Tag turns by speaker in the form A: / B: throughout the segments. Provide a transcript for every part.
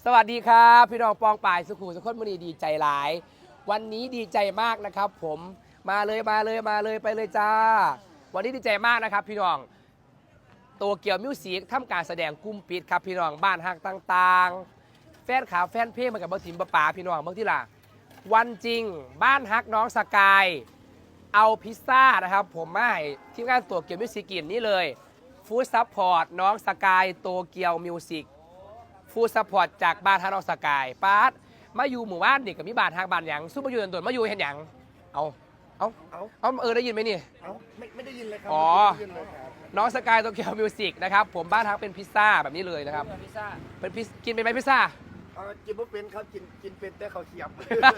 A: สวัสดีครับพี่น้องปองป่ายสุขุมสุขนมุนีดีใจหลาย วันนี้ดีใจมากนะครับผมมาเลยไปเลยจ้าวันนี้ดีใจมากนะครับพี่น้องโตเกียวมิวสิกทำการแสดงกลุ่มปิดครับพี่น้องบ้านฮักต่างๆแฟนขาแฟนเพลงมากับบังทิมป่าพี่น้องเมื่อที่ล่ะวันจริงบ้านฮักน้องสกายเอาพิซซ่านะครับผมมาให้ทีมงานโตเกียวมิวสิกกินนี่เลยฟู้ดซัพพอร์ตน้องสกายโตเกียวมิวสิกฟู้ดซัพพอร์ตจากบ้านฮักน้องสกายปาร์ตมาอยู่หมู่บ้านเด็กกับมีบ้านฮักบ้านหยังสู้มาอยู่ตนมาอยู่เห็นหยังเอาได้ยินไหมนี่
B: ไม่ได้ยินเลยครั
A: อ๋อ
B: ไม่ได้ยินเลยครับ
A: น้องสกายโตเกียวมิวสิกนะครับผมบ้านฮักเป็นพิซซ่าแบบนี้เลยนะครับ
C: พิซซ่า
A: เป็นกินเป็นไหมพิซซ่า
B: กินไม่เป็นครับกินเป็นแต่เขาวเขียบ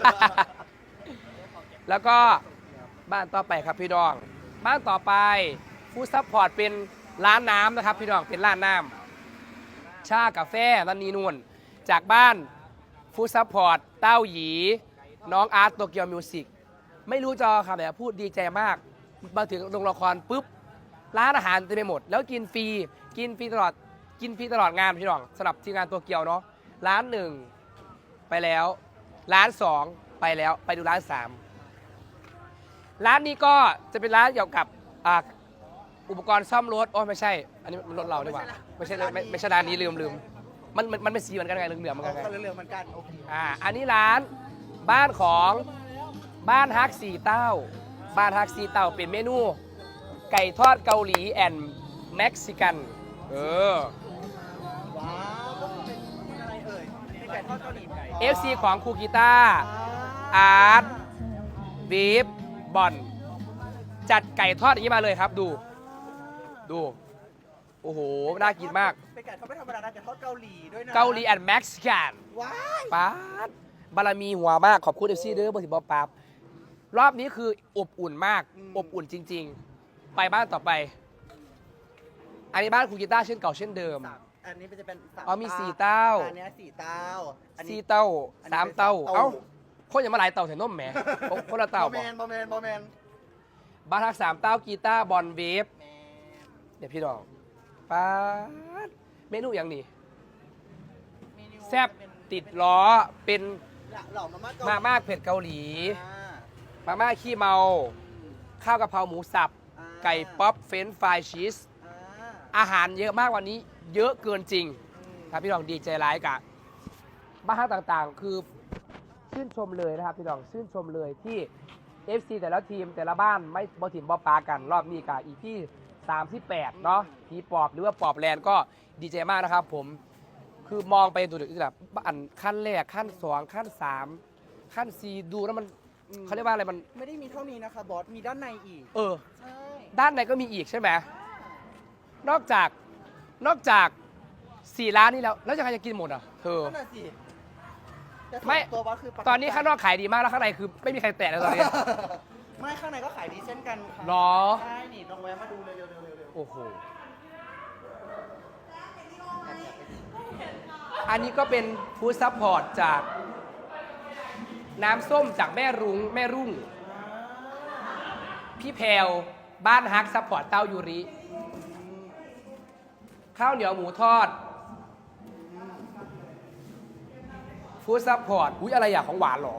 A: แล้วก็บ้านต่อไปครับพี่ดองบ้านต่อไปฟู้ดซัพพอร์ตเป็นร้านน้ำนะครับพี่ดองเป็นร้านน้ำชากาแฟนันนีนวลจากบ้านฟู้ดซัพพอร์ตเต้าหยีน้องอาร์ตโตเกียวมิวสิกไม่รู้จอครับแต่พูดดีใจมากมาถึงโรงละครปุ๊บร้านอาหารเต็มไปหมดแล้วกินฟรีตลอดงานพี่ดองสำหรับทีมงานโตเกียวเนาะร้านหนึ่งไปแล้วร้านสองไปแล้วไปดูร้านสามร้านนี้ก็จะเป็นร้านเกี่ยวกับอุปกรณ์ซ่อมรถโอ้ไม่ใช่อันนี้มันรถเราดีกว่าไม่ใช่ร้านนี้ลืมมันเป็นสีเหมือนกันไงเหลืองๆเหมือนกันไง
B: เรื่องเหมือนกันโอเค
A: อันนี้ร้านบ้านของบ้านฮักสีเต้าบ้านฮักสีเต้าเป็นเมนูไก่ทอดเกาหลีแอนด์เม็กซิกัน
B: ว้าวเป็นอะไรเอ่ยเป็นไก่ทอดเกาหลีไก่
A: FC ของครูกีตาร์อาร์ตบีฟบอลจัดไก่ทอดอย่างนี้มาเลยครับดูโอ้โหน่ากินมาก
B: เป็นไก่ทอดไม่ธรรมดานะไก่ทอดเกาหลีด้วยนะ
A: เกาหลีแอนด์เม็กซิกัน
B: ว้าย
A: ป๊าดบารมีหัวมากขอบคุณเอฟซีเด้อบอสิบอปาบรอบนี้คืออบอุ่นมากอบอุ่นจริงๆไปบ้านต่อไปอันนี้บ้านครูกีตาร์เช่นเก่าเช่นเดิม
B: อันนี้จะเป็น
A: มี4 เต้า
B: อันนี้4 เต้า
A: 4 เต้า3 เต้าเอ้าคนอย่ามาหลายเต้าแถนนมแหมคนละเต้า
B: บอแมน
A: บ้านทัก3 เต้ากีตาร์บอลเวฟเดี๋ยวพี่น้องป๊าดเมนูอย่างนี้แซ่บติดล้อเป็นมาม่าเผ็ดเกาหลีมาม่าขี้เมาข้าวกะเพราหมูสับไก่ป๊อปเฟรนช์ฟรายชีสอาหารเยอะมากวันนี้เยอะเกินจริงครับพี่น้องดีใจร้ายกะบ้านต่างๆคือชื่นชมเลยนะครับพี่น้องชื่นชมเลยที่ FC แต่ละทีมแต่ละบ้านไม่บอถิ่มบอปากันรอบนี้กะอีที่38เนาะผีปอบหรือว่าปอบแลนด์ก็ดีใจมากนะครับผมคือมองไปตัวอื่นแบบอันขั้นแรกขั้น2ขั้น3ขั้น4ดูแล้วมันเขาเรียกว่าอะไรมัน
B: ไม่ได้มีเท่านี้นะคะบอสมีด้านในอีกใช่
A: ด้านในก็มีอีกใช่ไหมนอกจาก4 ร้านนี้แล้วจะใครจะกินหมดอ่ะเธอ
B: นั่นสิ
A: ไม่ตอนนี้ข้างนอกขายดีมากแล้วข้างในคือไม่มีใครแตะเลยตอนนี้
B: ไม่ข้างในก็ขายดีเช่นกันค่ะ
A: หรอ
B: ใช่นี่ลองแวะมาดูเลยเร็ว
A: โอ้โหอันนี้ก็เป็นฟู้ดซัพพอร์ตจากน้ำส้มจากแม่รุ่งพี่แพรวบ้านฮักซัพพอร์ตเต้ายูริข้าวเหนียวหมูทอดฟู้ดซัพพอร์ตอุ๊ยอะไรอย่างของหวานหรอ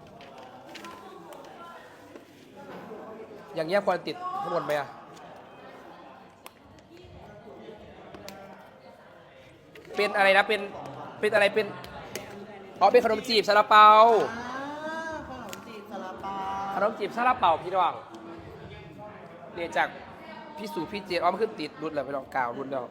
A: อย่างเงี้ยควรติดข้างบนไหมอะเป็นอะไรนะเป็นอะไรเป็นเป็นขนมจีบซาลาเปา
B: ขนมจีบซาลาเปา
A: พี่น้องเรียนจากพี่สู่พี่เจนมันขึ้นติดรุ่นแล้วพี่น้องกล่าวรุ่นแล้ว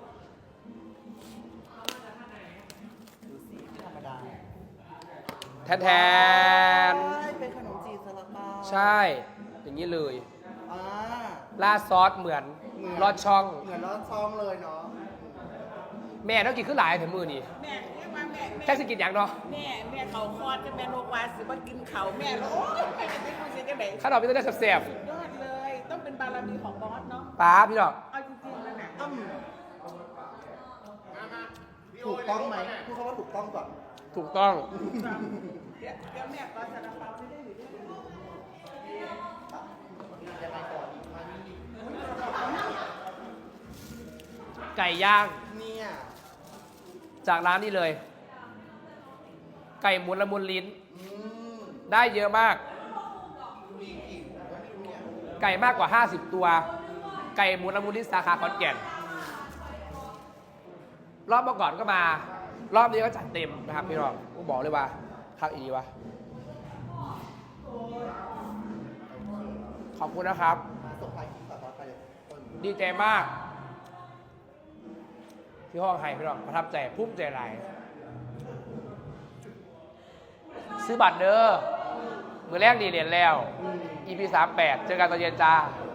B: ดูสีธรรมดา
A: แทน
B: เป็นขนมจีบซาลาเปา
A: ใช่อย่างนี้เลยราดซอสเหมือนลอดช่อง
B: เลยเนาะ
A: แม่ต้องกินขึ้นหลายถึงมือนี่
C: แม่เรียกว่าแม่
A: แค่สกินอย่างเนาะ
C: แม่เขาคลอดกันแม่โรควาสิว่ากินเขาแม่โอ้ยแม่จะไม่คุยเสียกันไหน
A: ข้าวดอกพี่ต้องได้แซ่บ
C: ยอดเลยต้องเป็นบารมีของบอสเนาะ
A: ป้าพี่ดอก
C: เอาจริงๆแล้วนะ
B: ถูกต้องไหมพูดคำว่าถูกต้องก่อน
A: ถูกต้อง
C: เดี๋ยวแม่ก็ซาลาเปาไม่ได้อยู่ด้วย
A: ไก่ย่าง
B: เนี่ย
A: จากร้านนี้เลยไก่หมุนละมุนลิ้น ได้เยอะมาก ไก่มากกว่า 50 ตัว ไก่หมุนละมุนลิ้นสาขาขอนแก่น รอบเมื่อก่อนก็มา รอบนี้ก็จัดเต็มนะครับพี่น้องผมบอกเลยว่าคักอีวะขอบคุณนะครับ
B: ส่งท้ายคลิปต่อไปคน
A: ดีใจมาก ที่ห้องไฮพี่น้องประทับใจภูมิใจหลายซื้อบัตรเด้อมือแรกดีเรียนแล้ว EP 38เจอกันตอนเย็นจ้า